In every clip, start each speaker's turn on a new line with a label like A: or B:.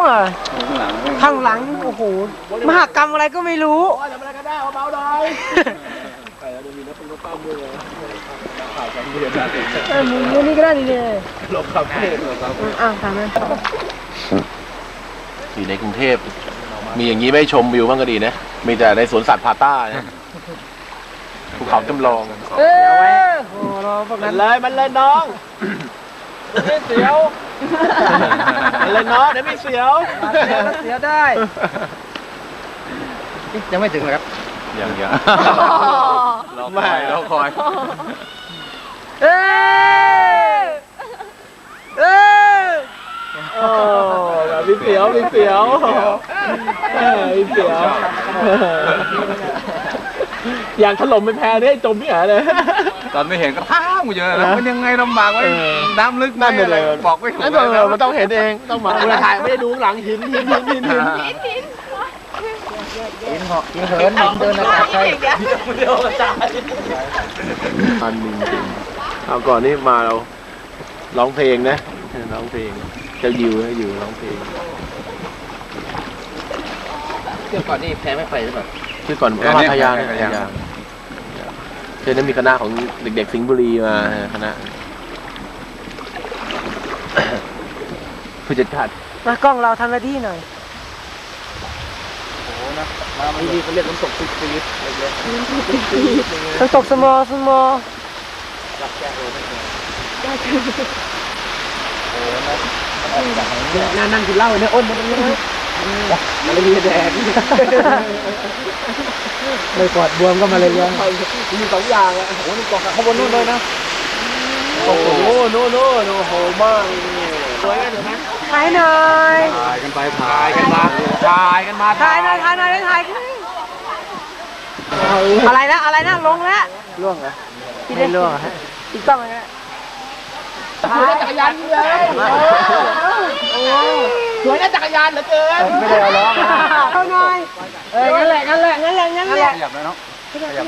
A: อ่ะข้างหลังโอ้โหมหกรรมอะไรก็ไม่รู้จะมาอะไรก็ได้เบาๆหน่อยไปแล้วมีนักปั้มด้วยข่าวการเมืองมึงนี่ก็ได้ดีเลยหลบครับทำไหม
B: อยู่ในกรุงเทพมีอย่างนี้ไม่ชมวิวบ้างก็ดีนะมีแต่ในสวนสัตว์พาต้าเนี่ยภูเขาจำลอง
A: มันเลยน้องไม่เสียวมันเลยน้องเดี๋ยวไม่เสียวเสียวได้ยังไม่ถึงเลยครับ
B: ยังรอคอย
A: มีเสียวอย่างถล่มไปแพ้ได้จมพี่หาเลย
C: ตอนไม่เห็นก็ท้ากูเยอะแล้วมันยังไงลำบากไว้น้ำลึกนั่นเลยบอกไม่ถูก
A: มันต้องเห็นเองต้องมาเวลาถ่ายไม่ได้ดูหลังหินเหาะหินเหินเดินอากาศใช่อันนึงจริงเอาก่อนนี่มาเราร้องเพลงนะร้องเพลงจะอยู่ร้องเพลง
C: เมื่อก่อนนี่แพ้ไม่ไปหรือเปล่า
A: คือก่อนก็มาทยาเช่นนั้นมีคณะของเด็กๆสิงห์บุรีมาคณะผู้จัดการมากล้องเราทำหน้าที่หน่อย
C: โอ้นะมาดีเขาเรียกน้ำตกซีด
A: น้ำตกสมอ
C: จับแก้โอ้ไม่
A: เคยนั่งกินเหล้าเนี่ยอ้นมาตรงนี้มาเลยแดงไม่ปอดบวมก็มาเลยมี2อย่างอ่ะโอ้โหนี่กองข้างบนนู่นเลยนะโอ้โหโน่โอ้โหมากสวยกันเดี๋ยวนะถ่ายหน่อย
C: ถ่ายกันไปถ่ายกันมา
A: ถ่ายหน่อยอะไรนะลงแล้วล่วงเหรอไม่ล่วงฮะอีกต้องอะไรนะสวยจักรยานเลยสวยนะจักรยานเหลือเกินไม่ได้เอาล้อเข้าหน่อยงั้นแหละ
C: ขยับเลยเนาะขยับ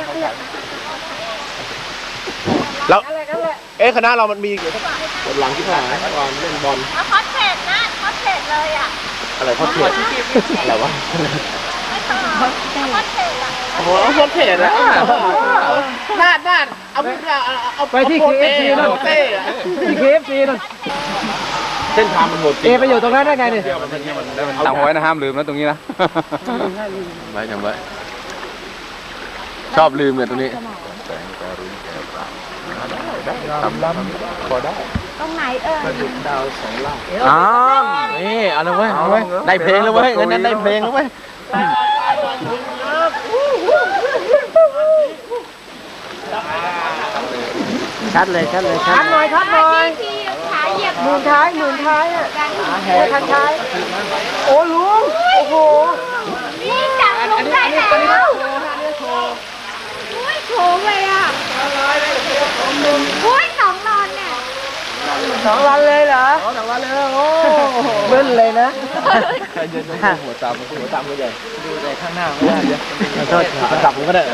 B: แล้วคณะเรามันมีหลังที่ผ่านตอนเล่นบอล
D: คอสเพจเลยอ่ะ
B: อะไรคอสเพจอะไรวะ
D: คอสเพจอ่ะ
A: โอ้โหคอสเพจอ่ะน่าเอาไปที่ KFC นั่นที่ KFC นั่นเส้นทางมันโหดจริงไปอยู่ตรงนั้นได้ไงเนี่ย
C: จำไว้นะห้ามลืมนะตรงนี้นะ
B: จำไว้ชอบลืมเนี่ยตรงนี้
D: พอได้ตรงไหน
A: ดาว2 ล่างนี่เอาเลยเว้ยได้เพลงแล้วเว้ยงั้นได้เพลงแล้วเว้ยชัดเลยชัดหน่อย
D: ขาเหยียบ
A: หมุนท้ายอ่ะคันท้ายโอ้ลุงโอ้โห
D: นี่จับลงได้แล้วโถเลยอ่ะ2 ลอนเนี่ย
A: 2 วันเลยเหรอ2 วันเลยโอ้เบิ้ลเลยนะหัวตามก็ใหญ่ดูใจข้างหน้าไม่ได้เยอะโทษจับผมก็ได้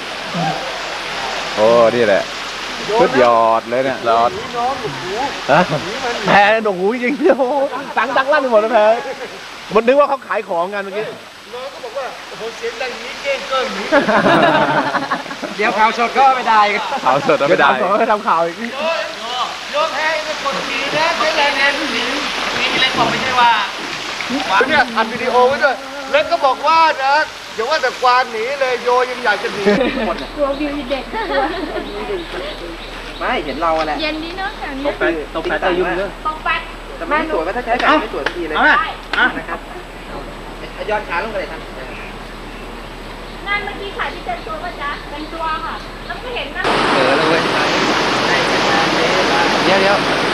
C: โอ้นี่แหละสุดยอดเลยเนี่ยยอด
A: แพ้ดกหูจริงๆโอ้ดังลั่นไปหมดแล้วแพ้มันนึกว่าเขาขายของกันเมื่อกี้น้องก็บอกว่าโอ้โหเสียงดังนี้เก้งเกิน
C: เดี๋ยวข่าวสดก็ไม่ได้ข่าวสดไม่ได้
A: ทำข่าวอีก
E: โยแพ้เป็นคนดีนะใช้แรงงานผู้หญิงมีเล็กบอกไม่ใช่ว่า
A: เนี่ยอัดวิดีโอไว้ด้วยเล็กก็บอกว่านะอย่าว่าแต่กวานหนีเลยโยยังอยากจะหนี
D: กลัววิวเด็ก
C: ไม่เห็นเราแหละ
D: เย็นดีเนาะแถวนี้
C: ตกไปยุ่งเลย
D: ตกไป
C: แต่ไม่สวยว่าถ้าใช้แบบไม่สวยทีเลยนะครับย้อนขาลงไปเลยท่าน
D: งานเมื่อกี้ขายที่เป็นตัวป่ะจ๊ะเป็นตัวค่ะแล้วก็เห็นนะ
C: เลยเดี๋ยว